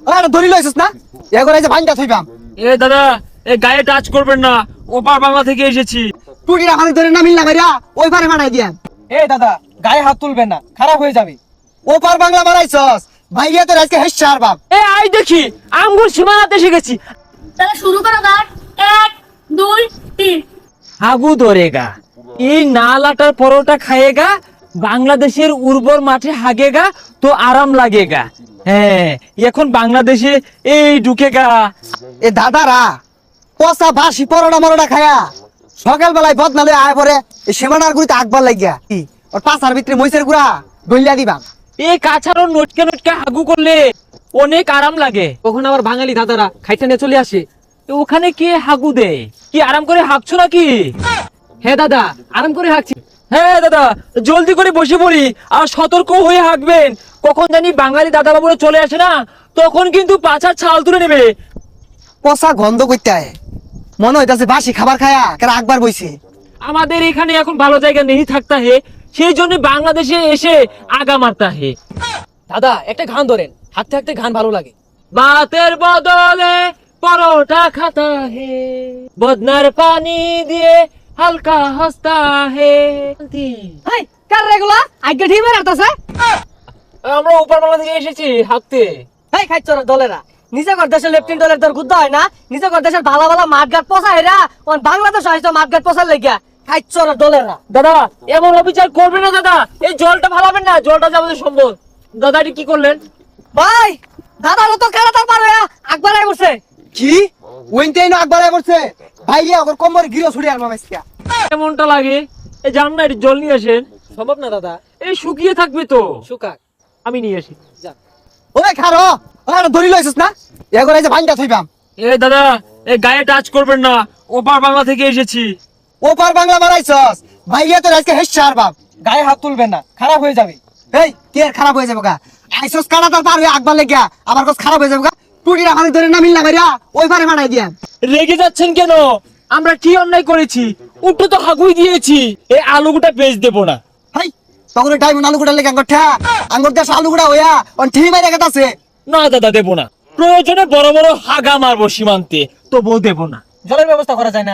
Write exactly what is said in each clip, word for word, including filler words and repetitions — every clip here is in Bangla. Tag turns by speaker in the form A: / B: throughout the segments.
A: আরে ধরি লইছিস না এগোরে যে ভাঙ্গা থইবাম।
B: এ দাদা এ গায়ে টাচ করবেন না, ওপার বাংলা থেকে এসেছি।
A: টুটিরা খালি ধরে না মিলনা কইরা ওই পারে মারাই দিয়াম।
C: এই দাদা গায়ে হাত তুলবেন না, খারাপ হয়ে যাবে।
A: ওপার বাংলা মারাইছস ভাইয়া তোর আজকে হেসার বাপ।
B: এ আই দেখি আঙ্গুর সীমানাতে এসে গেছি।
D: তাহলে শুরু করো গান। এক দুই তিন।
B: হাগু ধরেগা, এই নালাটার পরোটা খায়েগা, বাংলাদেশের উর্বর মাঠে হাগেগা তো আরাম লাগেগা। হ্যাঁ এখন বাংলাদেশে এই ঢুকেগা।
A: এ দাদারা পচা বাসি পরোটা মরোটা খায়া সকাল বেলায় বদনালে আয় পরে এই সীমানার গুড়িতে আকবার লাগিয়া কি ওর পাছার ভিতরে মইসের গুড়া গইলা দিবাম।
B: এই কাছাড়ো নটকে নটকে হাগু করলে অনেক আরাম লাগে।
C: তখন আবার বাঙালি দাদারা খাইতে নিয়ে চলে আসে।
B: তো ওখানে কে হাগু দেয়? কি আরাম করে হাগছো নাকি?
C: হ্যাঁ দাদা আরাম করে হাঁকছি।
B: হ্যাঁ দাদা জলদি করে বসে পড়ি আর সতর্ক হয়ে হাঁকবেন। কখন জানি বাঙালি দাদা বাবুরা চলে আসে না, তখন কিন্তু পাছার ছাল তুলে নেবে।
A: পচা গন্ধ করতে আয় মনে হইতাছে বাসি খাবার খায়া কেন আকবার বইছে।
B: আমাদের এখানে এখন ভালো জায়গা নেই থাকতা হে, সেই জন্য বাংলাদেশে এসে আগা মারতা হে।
C: দাদা একটা গান ধরেন, হাঁটতে হাঁটতে গান ভালো লাগে।
B: ভাতের বদলে পরোটা খাতা হে, বদনার পানি দিয়ে হালকা হাসতা হে।
C: হাই কার রেগুলা আগে ঠিক মেরে আতাছে।
B: আমরা উপর বাংলা থেকে এসেছি হাঁকতে।
C: এই খাইছর দলেরা নিজে কর দেশের লেফটেন্ট দলের তোর গুদ্ধ হয় না, নিজে কর দেশের ভালো ভালো মাঠঘাট পচা হেরা ওন বাংলাদেশ হইতো মাঠঘাট পচার লাগিয়া খাইছর দলেরা।
B: দাদা এমন অবিচার করবে না দাদা, এই জলটা ভালাবেন না, জলটা যে আমাদের সম্পদ। দাদা এটি কি করলেন?
C: ভাই দাদা তো খেলা তার পারে আকবার আই বসে।
A: কি ওইটাই না আকবার আয় পড়ছে ভাইয়া ওর কোমরে গিরো ছুড়ে আর মামাইছিয়া।
B: এমনটা লাগে এই জান না, এটি জল নিয়ে আসেন।
C: সম্ভব না দাদা,
B: এই শুকিয়ে থাকবে তো,
C: শুকাক।
B: আমি নিয়ে আসি।
A: ওই খারো আরে ধরি লইছিস না এগোরে যে ভাঙ্গা থইবাম।
B: এ দাদা এই গায়ে টাচ করবেন না, ওপার বাংলা থেকে এসেছি।
A: ওপার বাংলা মারাইছস ভাইয়া তোর আজকে হেসার বাপ।
C: গায়ে হাত তুলবেন না, খারাপ হয়ে যাবে।
A: এই কে আর খারাপ হয়ে যাবে গা আইসস কাটা তার পার হয়ে আকবার লাগিয়া আবার কস খারাপ হয়ে যাবে গা। টুটিরা খালি ধরে না মিলনা কইরা ওই পারে মারাই দিয়াম।
B: রেগে যাচ্ছেন কেন? আমরা কি অন্যায় করেছি? উঠো তো হাগুই দিয়েছি, এই আলুগুটা বেচ দেবো না।
A: হাই তখন টাইম আলু গুড়া লেগে আঙ্গুর ঠা আঙ্গুর দেশ আলু গুড়া হইয়া অন ঠি মাইরা গেতাছে।
B: না দাদা দেবো না, প্রয়োজনে বড় বড় হাগা মারবো সীমান্তে, তবুও দেবো না।
C: জলের ব্যবস্থা করা যায় না।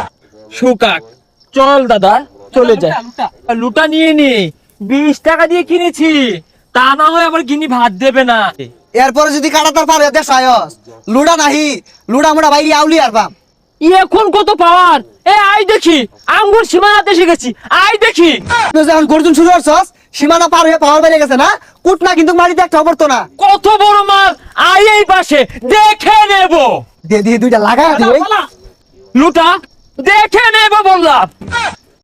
B: শুকাক চল দাদা চলে যায়।
C: লুটা,
B: লুটা নিয়ে নি, বিশ টাকা দিয়ে কিনেছি, তা না হয় আবার গিনি ভাত দেবে না।
A: এরপরে যদি কাটা তার পার হয়ে দেশ আয়স লুড়া নাহি লুড়া মুড়া বাইরে আউলি আর বাম।
B: এখন কত পাওয়ার? এ আই দেখি আঙ্গুর সীমানাতে এসে গেছি, আই দেখি।
A: তুই যখন গর্জন শুরু করছস সীমানা পার হয়ে পাওয়ার বাইরে গেছে না কুট না কিন্তু মারিতে একটা অবর্ত না।
B: কত বড় মাল, আই এই পাশে দেখে নেব।
A: দে দিয়ে দুইটা লাগায় দিই।
B: লুটা দেখে নেব বললাম।